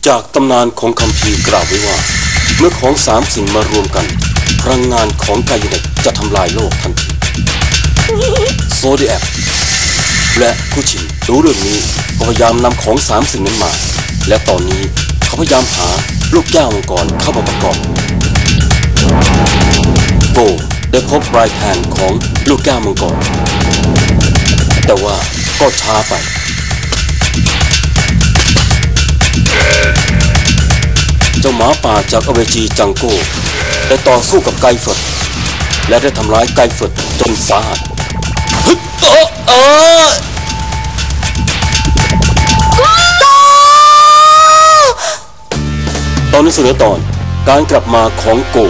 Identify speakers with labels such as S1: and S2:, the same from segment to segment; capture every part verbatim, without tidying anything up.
S1: จากตำนานของคัมภีร์กล่าวไว้ว่าเมื่อของสามสิ่งมารวมกันพลังงานของกายเนตจะทำลายโลกทันทีโซเดียกและคุชินรู้เรื่องนี้ก็พยายามนำของสามสิ่งนั้นมาและตอนนี้เขาพยายามหาลูกแก้วมังกรเข้ามาประกอบโกได้พบปลายแผ่นของลูกแก้วมังกรแต่ว่าก็ช้าไปเจ้าหมาป่าจากอเวจีจังโก้ได้ต่อสู้กับไกเฟิร์ดและได้ทำร้ายไกเฟิร์ดจนสาหัสตอนนี้เสนอตอนการกลับมาของโก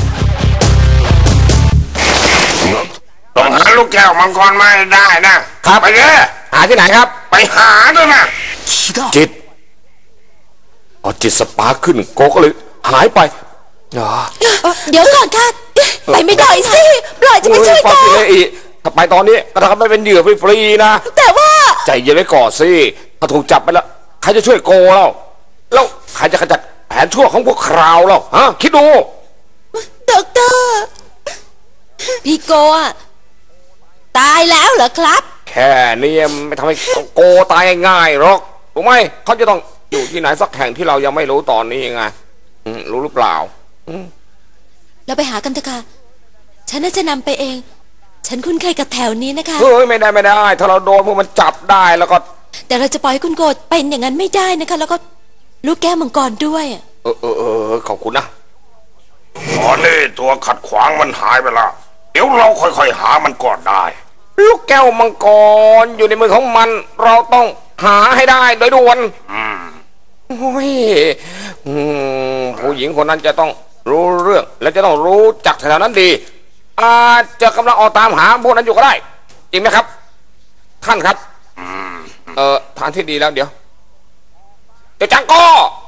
S2: ต้องหาลูกแก้วมังกรมาให้ได้นะครับไปเลย
S3: หาที่ไหนครับ
S2: ไปหาด้วยนะ
S3: จิตอ๋อจิตสปาร์คขึ้นโกก็เลยหายไป
S4: เดี๋ยวก่อนค่ะไปไม่ได้สิปล่อยจะไปช่วยก่อน
S3: ถ้าไปตอนนี้ก็ทำให้เป็นเหยื่อฟรีๆนะ
S4: แต่ว่า
S3: ใจเย็นไว้ก่อนสิถ้าถูกจับไปแล้วใครจะช่วยโกเราแล้วใครจะขจัดแผนชั่วของพวกคราวเราฮะคิดดู
S4: ด็อกเตอร์พี่โกะตายแล้วเหรอครับ
S3: แค่นี้ไม่ทำให้โกตายง่ายหรอกถูกไหมเขาจะต้องอยู่ที่ไหนสักแห่งที่เรายังไม่รู้ตอนนี้ไงรู้หรือเปล่า
S4: เราไปหากันเถอะค่ะฉันน่าจะนำไปเองฉันคุ้นเคยกับแถวนี้นะคะ
S3: เฮ้ยไม่ได้ไม่ได้ถ้าเราโดนพวกมันจับได้แล้วก็
S4: แต่เราจะปล่อยให้คุณโกเป็นอย่างนั้นไม่ได้นะคะแล้วก็ลูกแก้วมังกรด้วย
S3: เออเออเออขอบคุณนะ
S2: ตอนนี้ตัวขัดขวางมันหายไปละเดี๋ยวเราค่อยๆหามันก่อนได้
S3: ลูกแก้วมังกรอยู่ในมือของมันเราต้องหาให้ได้โดยด่วนโอ้ยผู้หญิงคนนั้นจะต้องรู้เรื่องและจะต้องรู้จักแถวนั้นดีอาจจะกำลังออกตามหาพวกนั้นอยู่ก็ได้จริงไหมครับท่านครับเออทางที่ดีแล้วเดี๋ยวเดี๋ยวจังก็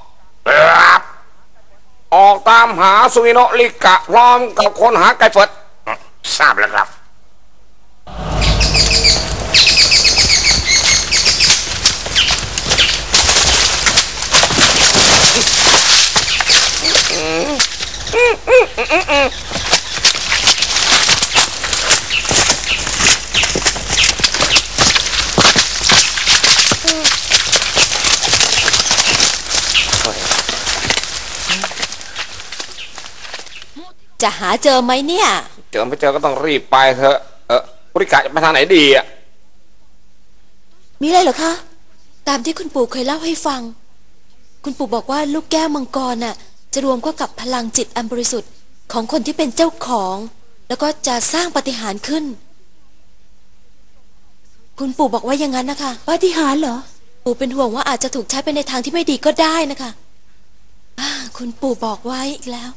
S3: ออกตามหาสุวิโนะลิกะพร้อมกับคนหาไก่เฟิร์ด
S2: ทราบแล้วครับ
S4: จะหาเจอไหมเนี่ย
S3: เจอไม่เจอก็ต้องรีบไปเถอะเออบริการจะไปทางไหนดีอ่ะ
S4: มีอะไรเหรอคะตามที่คุณปู่เคยเล่าให้ฟังคุณปู่บอกว่าลูกแก้วมังกรน่ะจะรวมเข้ากับพลังจิตอันบริสุทธิ์ของคนที่เป็นเจ้าของแล้วก็จะสร้างปาฏิหาริย์ขึ้นคุณปู่บอกว่าอย่างนั้นนะคะปาฏิหาริย์เหรอปู่เป็นห่วงว่าอาจจะถูกใช้ไปในทางที่ไม่ดีก็ได้นะคะคุณปู่บอกไว้อีกแล้ว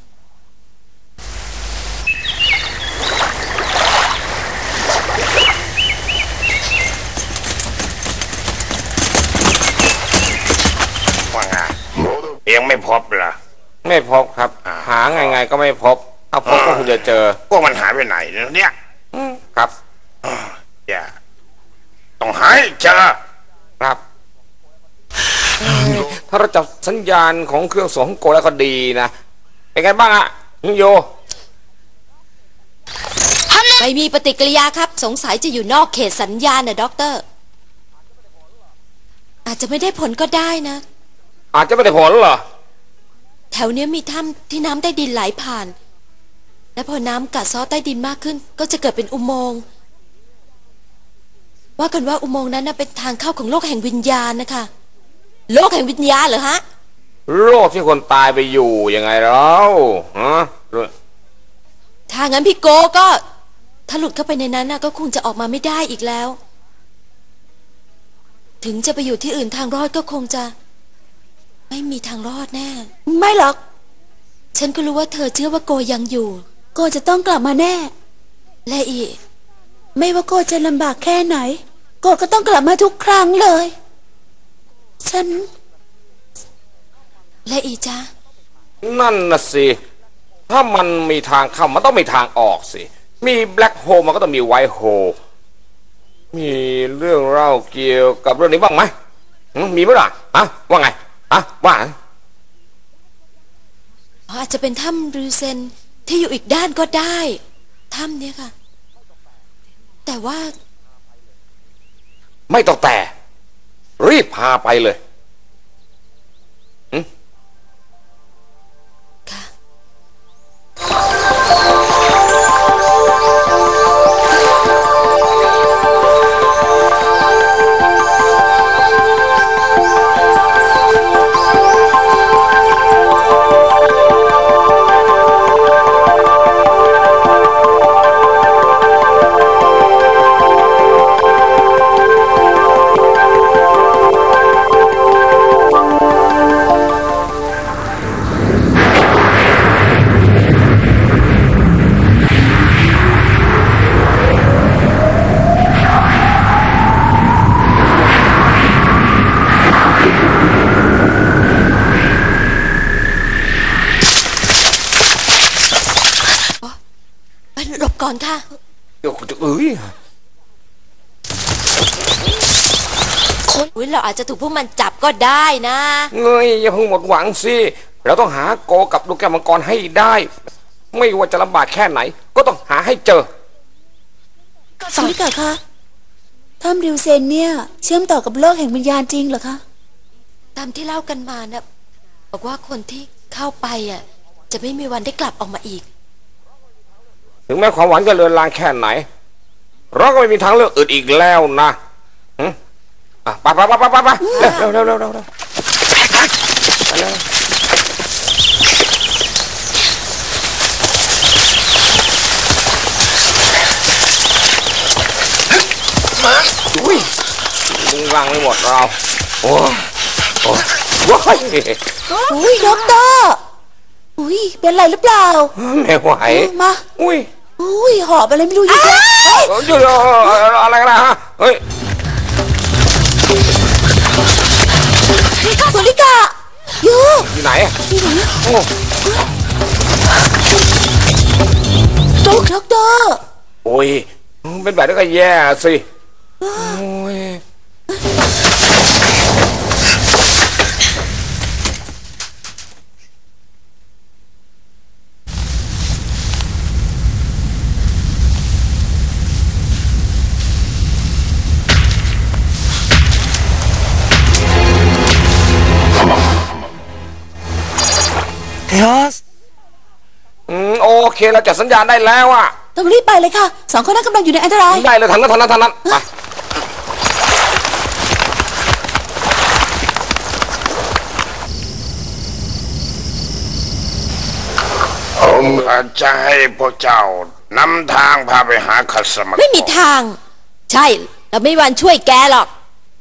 S2: ยังไม่พบเหรอ
S3: ไม่พบครับหาไงไงก็ไม่พบถ้าพบก็คงจะเจอ
S2: พวกมันหายไปไหนเนี่ย
S3: ครับ
S2: อย่าต้องหาให้เจอ
S3: ครับถ้าเราจับสัญญาณของเครื่องส่งของโกแล้วก็ดีนะเป็นไงบ้างอะโย
S4: ไม่มีปฏิกิริยาครับสงสัยจะอยู่นอกเขตสัญญาณนะด็อกเตอร์อาจจะไม่ได้ผลก็ได้นะ
S3: อาจจะไม่ได้ผลเหรอ
S4: แถวนี้มีถ้ำที่น้ำใต้ดินไหลผ่านและพอน้ำกัดเซาะใต้ดินมากขึ้นก็จะเกิดเป็นอุโมงค์ว่ากันว่าอุโมงค์นั้นเป็นทางเข้าของโลกแห่งวิญญาณนะคะโลกแห่งวิญญาณเหรอฮะ
S3: โลกที่คนตายไปอยู่ยังไงเราฮะ
S4: ถ้างั้นพี่โกก็ถ้าหลุดเข้าไปในนั้นก็คงจะออกมาไม่ได้อีกแล้วถึงจะไปอยู่ที่อื่นทางรอดก็คงจะไม่มีทางรอดแน่ไม่หรอกฉันก็รู้ว่าเธอเชื่อว่าโกยังอยู่โกจะต้องกลับมาแน่และอีไม่ว่าโกจะลำบากแค่ไหนโกก็ต้องกลับมาทุกครั้งเลยฉันและอีจ้า
S3: นั่นน่ะสิถ้ามันมีทางเข้ามันต้องมีทางออกสิมีแบล็คโฮลมันก็ต้องมีไวท์โฮลมีเรื่องเล่าเกี่ยวกับเรื่องนี้บ้างไหมมีไหมล่ะฮะว่าไงฮะว่า
S4: อาจจะเป็นถ้ำริวเซนที่อยู่อีกด้านก็ได้ถ้ำเนี่ยค่ะแต่ว่า
S3: ไม่ต้องแต่รีบพาไปเลย
S4: ค่ะหลบก่อนค่ะ
S3: เดี๋ยวจะเอ้ย
S4: คนอุ้ยเราอาจจะถูกพวกมันจับก็ได้นะ
S3: เงยอย่าเพิ่งหมดหวังสิเราต้องหาโกกับลูกแก้วมังกรให้ได้ไม่ว่าจะลำบากแค่ไหนก็ต้องหาให้เจอ
S4: สมิกะคะถ้ำริวเซนเนี่ยเชื่อมต่อกับโลกแห่งวิญญาณจริงเหรอคะตามที่เล่ากันมานะบอกว่าคนที่เข้าไปอ่ะจะไม่มีวันได้กลับออกมาอีก
S3: ถึงแม้ความหวังจะเลือนลางแค่ไหนเราก็ไม่มีทางเลือกอื่นอีกแล้วนะอ่ะไปไปไปไปไปเร็วเร็วเร็วเร็วเร็วไปเลยมาอุ้ยลุงรังไม่หมดเราโอ้โอ้ว้าย
S4: อุ้ยด็อกเตอร์อุ้ยเป็นไรหรือเปล่า
S3: ไม่ไหว
S4: มา
S3: อุ้ย
S4: อุ้ยหอบอะไรไม่รู้อยู่แล้ว
S3: อยู่อะไรกันนะฮะเฮ้ย
S4: โซลิกะอยู่
S3: อยู่ไหน
S4: อยู่ไหน
S3: โอ้
S4: ด็อกด็อกเตอร์
S3: โอ้ยเป็นแบบนี้ก็แย่สิโอ้ยอืมโอเคเราจัดสัญญาณได้แล้วอ่ะ
S4: ต้องรีบไปเลยค่ะสองคนนั้นกำลังอยู่ในอันตราย
S3: ได้เลยทันนั้นทันนั้นทันนั้นไป
S2: ผมอาจจะให้พวกเจ้านำทางพาไปหาคัสมา
S4: ไม่มีทางใช่เราไม่มีวันช่วยแกหรอก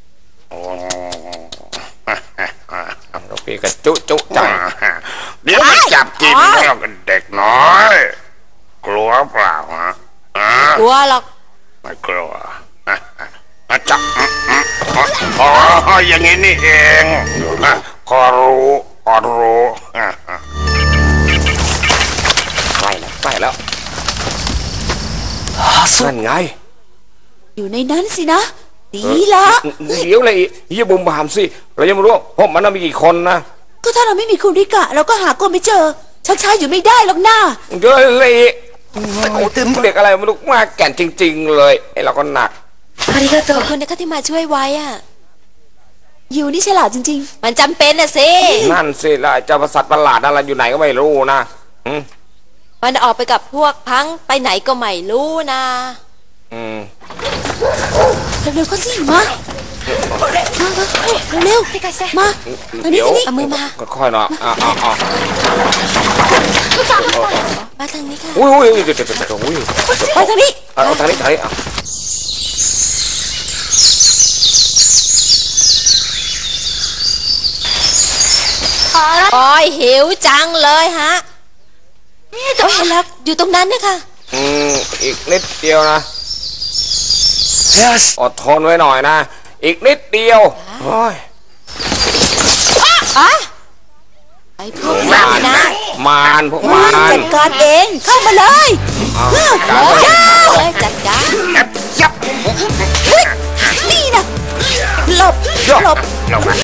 S3: เราพี่กระจุจุจัง
S2: เดี๋ยวไปจับกินแล้วกันเด็กน้อย กลัวเปล่าฮะ
S4: กลัวหรอก
S2: ไม่กลัวจับอ๋ออย่างนี้นี่เองขอรู้ขอรู้
S3: ใกล้แล้วใกล้แล้วนั่นไง
S4: อยู่ในนั้นสินะดีละ
S3: เดี๋ยวเลยอย่าบุ่มบามสิเรายังไม่รู้เพราะมันมีกี่คนนะ
S4: ก็ถ้าเราไม่มีคุณริกะเราก็หาคนไม่เจอชักช้าอยู่ไม่ได้หรอกหน้า
S3: เดี๋ยวเลยโอ้ตึมเด็กอะไรมันลุกมากแก่นจริงๆเลยไอ้เราก็หนัก
S4: ขอบคุณนะคะที่มาช่วยไว้อ่ะอยู่นี่ฉลาดจริงๆมันจำเป็นนะสิ
S3: นั่นสิแล้วเจ้าสัตว์ประหลาดอะไรอยู่ไหนก็ไม่รู้นะ
S4: มันออกไปกับพวกพังไปไหนก็ไม่รู้นะ
S3: อืม
S4: เร็วๆเขาสิมาเร็วๆมาตอนนี้สิเอามือมา
S3: ค่อยๆหน่อยอ่าอ่าอ่า
S4: มาทางนี้ค่ะ
S3: อุ้ยอุ้ยเดี๋ยวเดี๋ยวเดี๋ยวอุ้ย
S4: ไปทางนี้
S3: เอาทางนี้ทางนี้อ่ะ
S4: โอ้ยหิวจังเลยฮะโอ้ยเห็นแล้วอยู่ตรงนั้นนะคะ
S3: อืมอีกนิดเดียวนะอดทนไว้หน่อยนะอีกนิดเดียวโอ้ย
S4: ไอ้พวกมารนะ
S3: มารพวกมาร
S4: จัดการเองเข้ามาเลยเลยจัดการนี่นะหลบหลบ